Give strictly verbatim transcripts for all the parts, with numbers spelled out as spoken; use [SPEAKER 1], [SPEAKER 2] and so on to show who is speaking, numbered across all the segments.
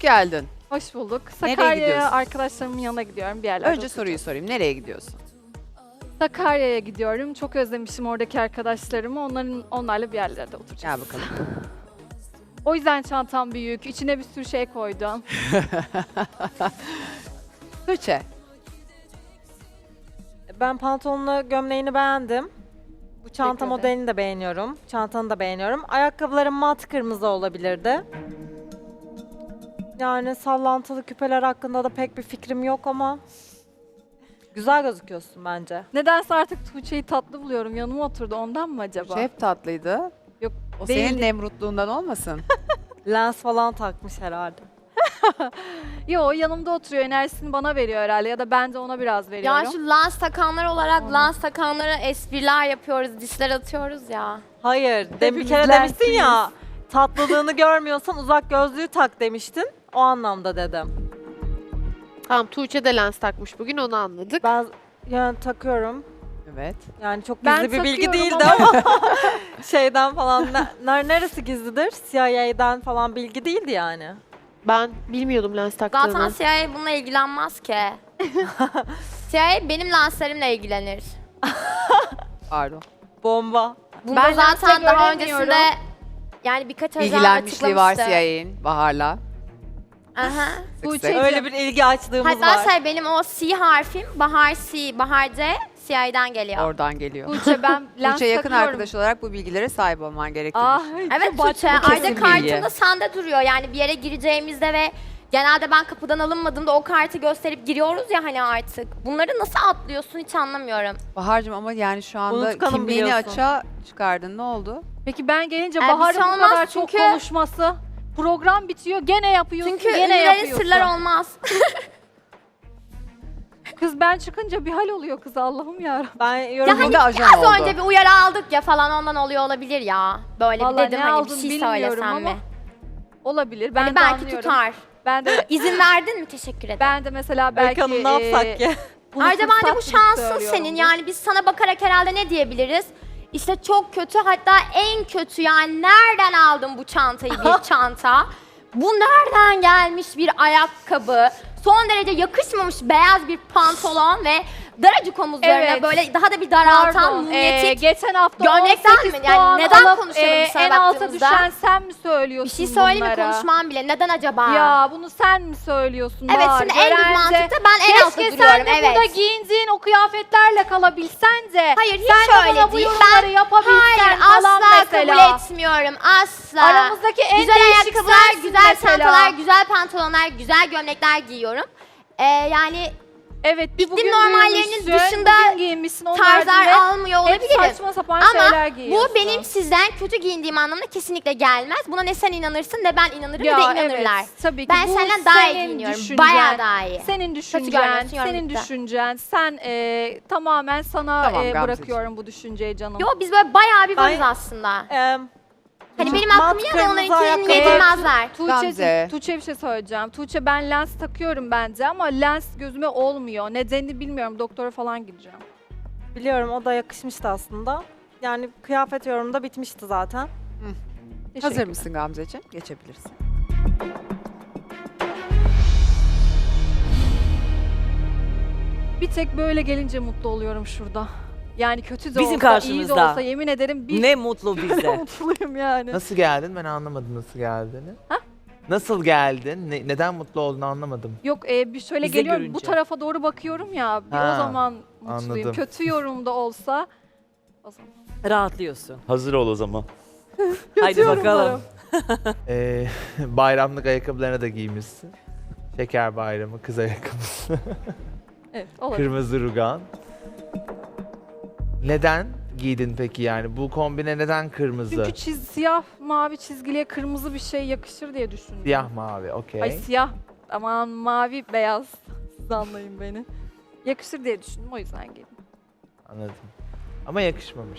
[SPEAKER 1] geldin.
[SPEAKER 2] Hoş bulduk.
[SPEAKER 1] Nereye
[SPEAKER 2] Sakarya'ya
[SPEAKER 1] gidiyorsun?
[SPEAKER 2] arkadaşlarımın yanına gidiyorum bir yerlerde.
[SPEAKER 1] Önce soruyu sorayım. Nereye gidiyorsun?
[SPEAKER 2] Sakarya'ya gidiyorum. Çok özlemişim oradaki arkadaşlarımı. Onların onlarla bir yerlerde oturacağız.
[SPEAKER 1] Gel bakalım.
[SPEAKER 2] O yüzden çantam büyük. İçine bir sürü şey koydum.
[SPEAKER 1] Tuğçe.
[SPEAKER 3] Ben pantolonunu, gömleğini beğendim. Bu çanta
[SPEAKER 2] Teşekkür
[SPEAKER 3] modelini de beğeniyorum. Çantanı da beğeniyorum. Ayakkabıların mat kırmızı olabilirdi. Yani sallantılı küpeler hakkında da pek bir fikrim yok ama güzel gözüküyorsun bence.
[SPEAKER 2] Nedense artık Tuğçe'yi tatlı buluyorum. Yanıma oturdu. Ondan mı acaba?
[SPEAKER 1] Tuğçe hep tatlıydı.
[SPEAKER 2] Yok,
[SPEAKER 1] O
[SPEAKER 2] değil.
[SPEAKER 1] senin nemrutluğundan olmasın?
[SPEAKER 3] Lens falan takmış herhalde.
[SPEAKER 2] Yo, yanımda oturuyor. Enerjisini bana veriyor herhalde. Ya da ben de ona biraz veriyorum.
[SPEAKER 4] Ya şu lens takanlar olarak
[SPEAKER 2] Onu.
[SPEAKER 4] lens takanlara espriler yapıyoruz, disler atıyoruz ya.
[SPEAKER 3] Hayır, dem bir
[SPEAKER 2] Hepimiz
[SPEAKER 3] kere demiştin ya.
[SPEAKER 2] lensliyiz.
[SPEAKER 3] Tatlılığını görmüyorsan uzak gözlüğü tak demiştin. O anlamda dedim.
[SPEAKER 5] Tamam, Tuğçe de lens takmış bugün, onu anladık.
[SPEAKER 3] Ben yani takıyorum.
[SPEAKER 1] Evet.
[SPEAKER 3] Yani çok
[SPEAKER 2] Ben
[SPEAKER 3] gizli bir bilgi
[SPEAKER 2] takıyorum
[SPEAKER 3] değildi ama şeyden falan ne- ner- neresi gizlidir? C I A'den falan bilgi değildi yani.
[SPEAKER 5] Ben bilmiyordum lens taktığını.
[SPEAKER 4] Zaten C I A bununla ilgilenmez ki. C I A benim lenslerimle ilgilenir.
[SPEAKER 1] Pardon.
[SPEAKER 3] Bomba.
[SPEAKER 4] Bunu
[SPEAKER 2] Ben
[SPEAKER 4] da zaten
[SPEAKER 2] lenste
[SPEAKER 4] daha
[SPEAKER 2] göremiyorum.
[SPEAKER 4] öncesinde yani birkaç ajan
[SPEAKER 1] İlgilenmişliği var
[SPEAKER 4] açıklamıştı.
[SPEAKER 1] C I A'nin Bahar'la.
[SPEAKER 4] Aha.
[SPEAKER 1] Sık
[SPEAKER 2] Tuğçe-
[SPEAKER 1] sık.
[SPEAKER 3] Öyle bir ilgi açlığımız
[SPEAKER 4] Hatta
[SPEAKER 3] var.
[SPEAKER 4] şey benim o C harfim Bahar C, Bahar C, C I A'den geliyor.
[SPEAKER 1] Oradan geliyor.
[SPEAKER 2] Tuğçe ben lens
[SPEAKER 1] Tuğçe yakın
[SPEAKER 2] takıyorum.
[SPEAKER 1] arkadaş olarak bu bilgilere sahip olman gerektiğini
[SPEAKER 2] Ah,
[SPEAKER 4] Evet
[SPEAKER 2] çok
[SPEAKER 4] Tuğçe,
[SPEAKER 2] başka-
[SPEAKER 1] kesin
[SPEAKER 4] ayrıca
[SPEAKER 1] bilgi.
[SPEAKER 4] kartında sende duruyor. Yani bir yere gireceğimizde ve genelde ben kapıdan alınmadığımda o kartı gösterip giriyoruz ya hani artık. Bunları nasıl atlıyorsun hiç anlamıyorum.
[SPEAKER 1] Bahar'cığım ama yani şu anda
[SPEAKER 3] Unutkanım
[SPEAKER 1] kimliğini
[SPEAKER 3] biliyorsun.
[SPEAKER 1] açığa çıkardın. Ne oldu?
[SPEAKER 2] Peki ben gelince
[SPEAKER 4] Ee, bir
[SPEAKER 2] Bahar'ın
[SPEAKER 4] şey
[SPEAKER 2] bu
[SPEAKER 4] olmaz
[SPEAKER 2] kadar çok
[SPEAKER 4] çünkü-
[SPEAKER 2] konuşması, program bitiyor gene yapıyorsun,
[SPEAKER 4] Çünkü
[SPEAKER 2] gene
[SPEAKER 4] ünlülerin
[SPEAKER 2] yapıyorsun.
[SPEAKER 4] sırlar olmaz.
[SPEAKER 2] Kız ben çıkınca bir hal oluyor kız Allah'ım ya.
[SPEAKER 3] Ben
[SPEAKER 4] Ya
[SPEAKER 3] yorum
[SPEAKER 4] hani
[SPEAKER 1] Bir de ajan
[SPEAKER 4] az
[SPEAKER 1] oldu.
[SPEAKER 4] önce bir uyarı aldık ya falan ondan oluyor olabilir ya. Böyle
[SPEAKER 2] Vallahi
[SPEAKER 4] bir dedim
[SPEAKER 2] ne
[SPEAKER 4] hani bir
[SPEAKER 2] aldın
[SPEAKER 4] şey
[SPEAKER 2] bilmiyorum
[SPEAKER 4] söylesem
[SPEAKER 2] ama
[SPEAKER 4] mi?
[SPEAKER 2] olabilir. Ben
[SPEAKER 4] Hani
[SPEAKER 2] de
[SPEAKER 4] belki
[SPEAKER 2] anlıyorum.
[SPEAKER 4] tutar.
[SPEAKER 2] Ben de
[SPEAKER 4] İzin verdin mi? Teşekkür ederim.
[SPEAKER 2] ben de mesela
[SPEAKER 3] Öykü
[SPEAKER 2] belki
[SPEAKER 3] Hanım ne yapsak
[SPEAKER 2] eee,
[SPEAKER 3] ki?
[SPEAKER 2] bunu
[SPEAKER 4] Ayrıca bence bu
[SPEAKER 2] fırsat bilip
[SPEAKER 4] şansın
[SPEAKER 2] söylüyorum
[SPEAKER 4] senin.
[SPEAKER 2] bunu.
[SPEAKER 4] Yani biz sana bakarak herhalde ne diyebiliriz? İşte çok kötü, hatta en kötü, yani nereden aldın bu çantayı, bir çanta? Bu nereden gelmiş bir ayakkabı? Son derece yakışmamış beyaz bir pantolon ve daracık omuzlarına
[SPEAKER 2] Evet.
[SPEAKER 4] böyle daha da bir daraltan
[SPEAKER 2] Pardon, eee,
[SPEAKER 4] mumyetik.
[SPEAKER 2] geçen hafta
[SPEAKER 4] gömlekten
[SPEAKER 2] on sekiz
[SPEAKER 4] mi? Yani
[SPEAKER 2] puan
[SPEAKER 4] neden
[SPEAKER 2] alıp,
[SPEAKER 4] konuşalım
[SPEAKER 2] eee,
[SPEAKER 4] sana
[SPEAKER 2] en alta
[SPEAKER 4] baktığımızda?
[SPEAKER 2] düşen sen mi
[SPEAKER 4] Bir
[SPEAKER 2] söylüyorsun
[SPEAKER 4] şey söyleyeyim mi?
[SPEAKER 2] bunlara?
[SPEAKER 4] Konuşmam bile. Neden acaba?
[SPEAKER 2] Ya bunu sen mi söylüyorsun?
[SPEAKER 4] Evet,
[SPEAKER 2] Bahar?
[SPEAKER 4] şimdi en düz
[SPEAKER 2] Görence,
[SPEAKER 4] mantıkta ben en altta
[SPEAKER 2] keşke
[SPEAKER 4] duruyorum.
[SPEAKER 2] sen de
[SPEAKER 4] Evet.
[SPEAKER 2] burada giyindiğin o kıyafetlerle kalabilsen de.
[SPEAKER 4] Hayır, hiç
[SPEAKER 2] sen de
[SPEAKER 4] öyle
[SPEAKER 2] bana bu
[SPEAKER 4] değil.
[SPEAKER 2] yorumları
[SPEAKER 4] Ben
[SPEAKER 2] yapabilsen
[SPEAKER 4] hayır
[SPEAKER 2] falan
[SPEAKER 4] asla
[SPEAKER 2] mesela.
[SPEAKER 4] kabul etmiyorum. Asla.
[SPEAKER 2] Aramızdaki en
[SPEAKER 4] güzel
[SPEAKER 2] değişik
[SPEAKER 4] ayakkabılar,
[SPEAKER 2] sensin
[SPEAKER 4] güzel
[SPEAKER 2] mesela.
[SPEAKER 4] çantalar, güzel pantolonlar, güzel gömlekler giyiyorum. Ee, yani
[SPEAKER 2] Evet, bir
[SPEAKER 4] İklim
[SPEAKER 2] bugün
[SPEAKER 4] normallerinin
[SPEAKER 2] giyinmişsin,
[SPEAKER 4] dışında
[SPEAKER 2] bugün giyinmişsin, onun
[SPEAKER 4] tarzlar
[SPEAKER 2] haricinde
[SPEAKER 4] almıyor
[SPEAKER 2] hep
[SPEAKER 4] olabilirim.
[SPEAKER 2] saçma sapan
[SPEAKER 4] Ama
[SPEAKER 2] şeyler giyiyorsun.
[SPEAKER 4] bu benim sizden kötü giyindiğim anlamına kesinlikle gelmez. Buna ne sen inanırsın ne ben inanırım
[SPEAKER 2] Ya
[SPEAKER 4] ne de inanırlar.
[SPEAKER 2] evet, tabii ki.
[SPEAKER 4] Ben
[SPEAKER 2] Bu
[SPEAKER 4] senden daha iyi
[SPEAKER 2] senin
[SPEAKER 4] giyiniyorum.
[SPEAKER 2] düşüncen.
[SPEAKER 4] Bayağı daha iyi.
[SPEAKER 2] Senin düşüncen,
[SPEAKER 4] görmüyorsun, yorum
[SPEAKER 2] senin
[SPEAKER 4] bitti.
[SPEAKER 2] düşüncen. Sen e, tamamen sana
[SPEAKER 1] Tamam,
[SPEAKER 2] e,
[SPEAKER 1] Gamzeciğim.
[SPEAKER 2] bırakıyorum bu düşünceyi canım.
[SPEAKER 4] Yo biz böyle bayağı bir varız
[SPEAKER 3] Ben-
[SPEAKER 4] aslında.
[SPEAKER 3] Eee,
[SPEAKER 4] Hani
[SPEAKER 3] mat
[SPEAKER 4] benim aklım ya da
[SPEAKER 3] kırmızı
[SPEAKER 4] onlarınkini
[SPEAKER 3] ayakkabı-
[SPEAKER 4] yedirmezler.
[SPEAKER 1] Gamze.
[SPEAKER 2] Tuğçe, Tuğçe bir şey söyleyeceğim. Tuğçe ben lens takıyorum bence ama lens gözüme olmuyor. Nedenini bilmiyorum. Doktora falan gideceğim.
[SPEAKER 3] Biliyorum, o da yakışmıştı aslında. Yani kıyafet yorumunda bitmişti zaten.
[SPEAKER 2] Teşekkür
[SPEAKER 1] Hazır mısın Gamzeciğim? Geçebilirsin.
[SPEAKER 2] Bir tek böyle gelince mutlu oluyorum şurada. Yani kötü de
[SPEAKER 6] Bizim
[SPEAKER 2] olsa, iyi de
[SPEAKER 6] karşımızda.
[SPEAKER 2] olsa yemin ederim bir
[SPEAKER 6] Ne mutlu bize.
[SPEAKER 2] mutluyum yani.
[SPEAKER 7] Nasıl geldin? Ben anlamadım nasıl geldiğini. Nasıl geldin? Ne- neden mutlu olduğunu anlamadım.
[SPEAKER 2] Yok e, bir şöyle
[SPEAKER 6] Bize
[SPEAKER 2] geliyorum bu
[SPEAKER 6] görünce.
[SPEAKER 2] tarafa doğru bakıyorum ya bir o
[SPEAKER 7] Ha,
[SPEAKER 2] zaman mutluyum.
[SPEAKER 7] anladım.
[SPEAKER 2] Kötü yorumda olsa o zaman.
[SPEAKER 6] Rahatlıyorsun.
[SPEAKER 8] Hazır ol o zaman.
[SPEAKER 6] Haydi
[SPEAKER 2] yorumlarım.
[SPEAKER 6] bakalım.
[SPEAKER 7] Ee, bayramlık ayakkabılarını da giymişsin. Şeker bayramı, kız ayakkabısı.
[SPEAKER 2] Evet olabilir.
[SPEAKER 7] Kırmızı rugan. Neden giydin peki yani? Bu kombine neden kırmızı?
[SPEAKER 2] Çünkü çiz, siyah mavi çizgiliye kırmızı bir şey yakışır diye düşündüm.
[SPEAKER 7] Siyah mavi, okey.
[SPEAKER 2] Ay siyah aman mavi beyaz siz anlayın beni. Yakışır diye düşündüm o yüzden giydim.
[SPEAKER 7] Anladım. Ama yakışmamış.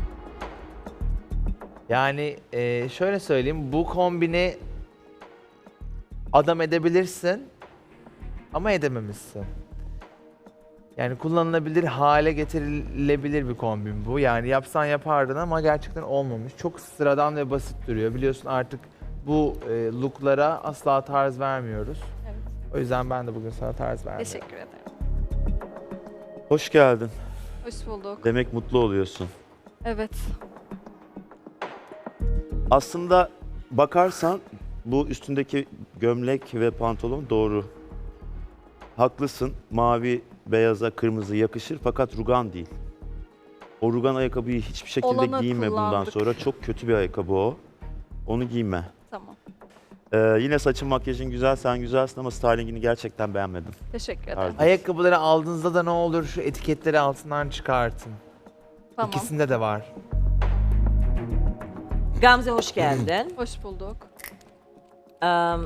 [SPEAKER 7] Yani e, şöyle söyleyeyim, bu kombini adam edebilirsin ama edememişsin. Yani kullanılabilir hale getirilebilir bir kombin bu. Yani yapsan yapardın ama gerçekten olmamış. Çok sıradan ve basit duruyor. Biliyorsun artık bu e, looklara asla tarz vermiyoruz.
[SPEAKER 2] Evet.
[SPEAKER 7] O yüzden ben de bugün sana tarz verdim.
[SPEAKER 2] Teşekkür ederim.
[SPEAKER 8] Hoş geldin.
[SPEAKER 2] Hoş bulduk.
[SPEAKER 8] Demek mutlu oluyorsun.
[SPEAKER 2] Evet.
[SPEAKER 8] Aslında bakarsan bu üstündeki gömlek ve pantolon doğru. Haklısın. Mavi, beyaza, kırmızı yakışır fakat rugan değil. O rugan ayakkabıyı hiçbir şekilde
[SPEAKER 2] Olanı
[SPEAKER 8] giyme bundan
[SPEAKER 2] kullandık.
[SPEAKER 8] sonra. Çok kötü bir ayakkabı o. Onu giyme.
[SPEAKER 2] Tamam.
[SPEAKER 8] Ee, yine saçın makyajın güzel, sen güzelsin ama stylingini gerçekten beğenmedim.
[SPEAKER 2] Teşekkür ederim.
[SPEAKER 8] Pardon.
[SPEAKER 7] Ayakkabıları aldığınızda da ne olur şu etiketleri altından çıkartın.
[SPEAKER 2] Tamam.
[SPEAKER 7] İkisinde de var.
[SPEAKER 6] Gamze hoş geldin.
[SPEAKER 2] Hoş bulduk.
[SPEAKER 6] Em,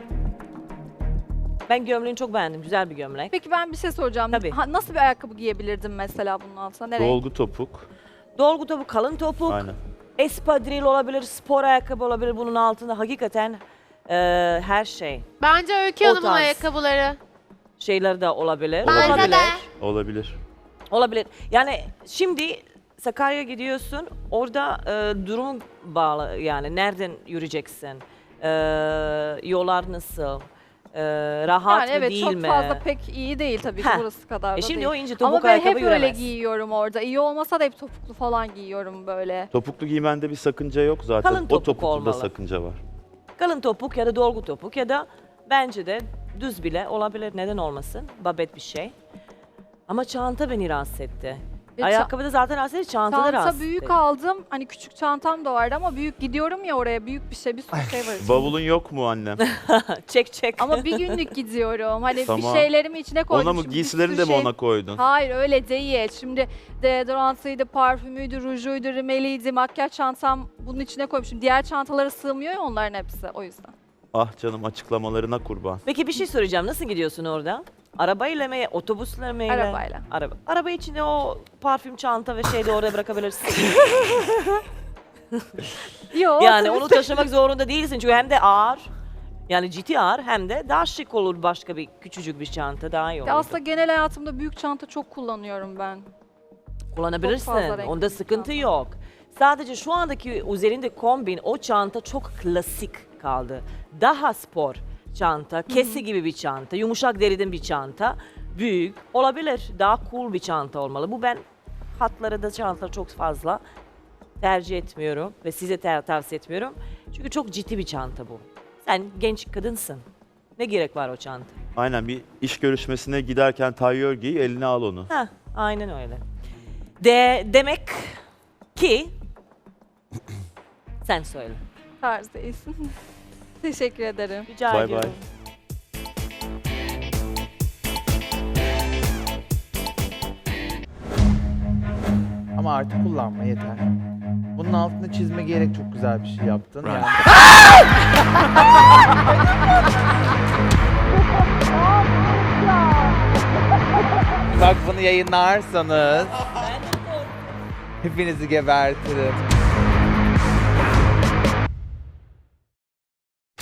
[SPEAKER 6] ben gömleğini çok beğendim. Güzel bir gömlek.
[SPEAKER 2] Peki ben bir şey soracağım.
[SPEAKER 6] Tabii.
[SPEAKER 2] Ha, nasıl bir ayakkabı giyebilirdim mesela bunun altına? Nereye?
[SPEAKER 8] Dolgu topuk.
[SPEAKER 6] Dolgu topuk, kalın topuk,
[SPEAKER 8] Aynen.
[SPEAKER 6] espadril olabilir, spor ayakkabı olabilir. Bunun altında hakikaten e, her şey.
[SPEAKER 5] Bence Öykü
[SPEAKER 6] O
[SPEAKER 5] Hanım'ın
[SPEAKER 6] tarz.
[SPEAKER 5] ayakkabıları.
[SPEAKER 6] Şeyler de olabilir.
[SPEAKER 4] Bence
[SPEAKER 6] olabilir.
[SPEAKER 4] de.
[SPEAKER 8] Olabilir.
[SPEAKER 6] Olabilir. Yani şimdi Sakarya'ya gidiyorsun. Orada e, durum bağlı. Yani nereden yürüyeceksin? E, yollar nasıl? E, rahat
[SPEAKER 2] Yani
[SPEAKER 6] mı
[SPEAKER 2] evet
[SPEAKER 6] değil
[SPEAKER 2] çok
[SPEAKER 6] mi?
[SPEAKER 2] fazla pek iyi değil tabii ki
[SPEAKER 6] Heh.
[SPEAKER 2] burası kadar da
[SPEAKER 6] E şimdi
[SPEAKER 2] değil.
[SPEAKER 6] o ince topuk
[SPEAKER 2] Ama ben
[SPEAKER 6] ayakkabı
[SPEAKER 2] hep öyle
[SPEAKER 6] yürümez.
[SPEAKER 2] giyiyorum orada. İyi olmasa da hep topuklu falan giyiyorum böyle.
[SPEAKER 8] Topuklu giymende bir sakınca yok zaten.
[SPEAKER 6] Kalın
[SPEAKER 8] o
[SPEAKER 6] topuk
[SPEAKER 8] topukluda
[SPEAKER 6] olmalı.
[SPEAKER 8] sakınca var.
[SPEAKER 6] Kalın topuk ya da dolgu topuk ya da bence de düz bile olabilir. Neden olmasın? Babet bir şey. Ama çanta beni rahatsız etti.
[SPEAKER 2] Ve ça-
[SPEAKER 6] Ayakkabıda zaten rahatsız etti, çanta da
[SPEAKER 2] Çanta
[SPEAKER 6] rahatsız
[SPEAKER 2] büyük
[SPEAKER 6] etti.
[SPEAKER 2] aldım. Hani küçük çantam da vardı ama büyük gidiyorum ya oraya büyük bir şey bir sürü şey var. içinde.
[SPEAKER 8] Bavulun yok mu annem?
[SPEAKER 6] Çek çek.
[SPEAKER 2] Ama bir günlük gidiyorum. Hani bir
[SPEAKER 8] Tamam.
[SPEAKER 2] şeylerimi içine koydum.
[SPEAKER 8] Ona mı
[SPEAKER 2] Şimdi bir
[SPEAKER 8] giysilerini
[SPEAKER 2] sürü
[SPEAKER 8] de mi
[SPEAKER 2] şey-
[SPEAKER 8] ona koydun?
[SPEAKER 2] Hayır öyle değil. Şimdi deodorantıydı, parfümüydü, rujuydu, rimeliydi, makyaj çantam bunun içine koymuşum. Diğer çantalara sığmıyor ya onların hepsi o yüzden.
[SPEAKER 8] Ah canım açıklamalarına kurban.
[SPEAKER 6] Peki bir şey soracağım. Nasıl gidiyorsun orada? Arabayla mı, otobüsle mi?
[SPEAKER 2] Arabayla.
[SPEAKER 6] Araba. Araba içinde o parfüm çanta ve şeyi de oraya bırakabilirsin.
[SPEAKER 2] Yok.
[SPEAKER 6] yani onu taşımak zorunda değilsin çünkü hem de ağır. Yani ciddi ağır hem de daha şık olur başka bir küçücük bir çanta daha iyi olur.
[SPEAKER 2] Aslında genel hayatımda büyük çanta çok kullanıyorum ben.
[SPEAKER 6] Kullanabilirsin.
[SPEAKER 2] Çok fazla renkli
[SPEAKER 6] Onda
[SPEAKER 2] bir
[SPEAKER 6] sıkıntı
[SPEAKER 2] çanta.
[SPEAKER 6] yok. Sadece şu andaki üzerinde kombin o çanta çok klasik kaldı. Daha spor çanta, kesi gibi bir çanta, yumuşak deriden bir çanta, büyük olabilir. Daha cool bir çanta olmalı. Bu ben hatları da çanta çok fazla tercih etmiyorum ve size ter- tavsiye etmiyorum. Çünkü çok ciddi bir çanta bu. Sen genç kadınsın. Ne gerek var o çanta?
[SPEAKER 8] Aynen bir iş görüşmesine giderken tayyör giy eline al onu.
[SPEAKER 6] Heh, aynen öyle. De demek ki sen söyle.
[SPEAKER 2] Tarz değilsin. Teşekkür ederim.
[SPEAKER 6] Rica
[SPEAKER 8] Bay
[SPEAKER 6] ediyorum.
[SPEAKER 8] bay.
[SPEAKER 7] Ama artık kullanma yeter. Bunun altını çizme gerek çok güzel bir şey yaptın. Yani. Bak bunu yayınlarsanız hepinizi gebertirim.